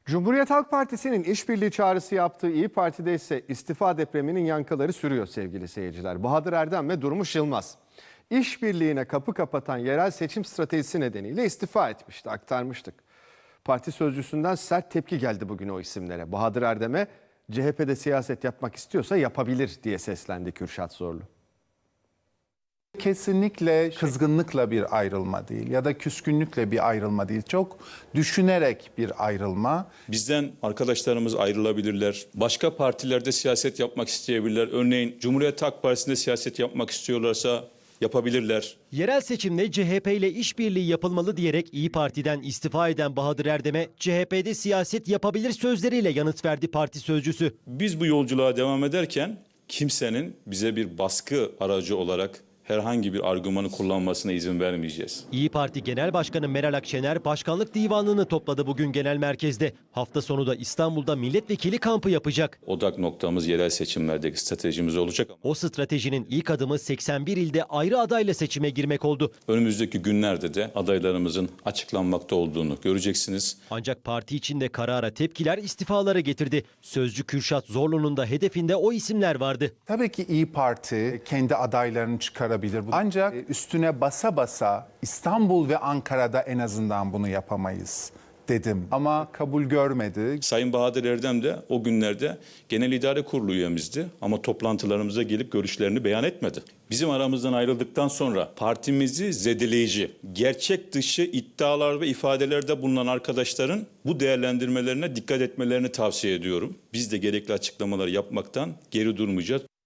Cumhuriyet Halk Partisi'nin işbirliği çağrısı yaptığı İyi Parti'de ise istifa depreminin yankıları sürüyor sevgili seyirciler. Bahadır Erdem ve Durmuş Yılmaz işbirliğine kapı kapatan yerel seçim stratejisi nedeniyle istifa etmişti, aktarmıştık. Parti sözcüsünden sert tepki geldi bugün o isimlere. Bahadır Erdem'e CHP'de siyaset yapmak istiyorsa yapabilir diye seslendi Kürşat Zorlu. Kesinlikle kızgınlıkla bir ayrılma değil ya da küskünlükle bir ayrılma değil. Çok düşünerek bir ayrılma. Bizden arkadaşlarımız ayrılabilirler. Başka partilerde siyaset yapmak isteyebilirler. Örneğin Cumhuriyet Halk Partisi'nde siyaset yapmak istiyorlarsa yapabilirler. Yerel seçimde CHP ile işbirliği yapılmalı diyerek İyi Parti'den istifa eden Bahadır Erdem'e CHP'de siyaset yapabilir sözleriyle yanıt verdi parti sözcüsü. Biz bu yolculuğa devam ederken kimsenin bize bir baskı aracı olarak herhangi bir argümanı kullanmasına izin vermeyeceğiz. İyi Parti Genel Başkanı Meral Akşener başkanlık divanını topladı bugün genel merkezde. Hafta sonu da İstanbul'da milletvekili kampı yapacak. Odak noktamız yerel seçimlerdeki stratejimiz olacak. O stratejinin ilk adımı 81 ilde ayrı adayla seçime girmek oldu. Önümüzdeki günlerde de adaylarımızın açıklanmakta olduğunu göreceksiniz. Ancak parti içinde karara tepkiler istifaları getirdi. Sözcü Kürşat Zorlu'nun da hedefinde o isimler vardı. Tabii ki İyi Parti kendi adaylarını çıkarabilir. Ancak üstüne basa basa İstanbul ve Ankara'da en azından bunu yapamayız dedim. Ama kabul görmedi. Sayın Bahadır Erdem de o günlerde Genel İdare Kurulu üyemizdi ama toplantılarımıza gelip görüşlerini beyan etmedi. Bizim aramızdan ayrıldıktan sonra partimizi zedeleyici, gerçek dışı iddialar ve ifadelerde bulunan arkadaşların bu değerlendirmelerine dikkat etmelerini tavsiye ediyorum. Biz de gerekli açıklamaları yapmaktan geri durmayacağız.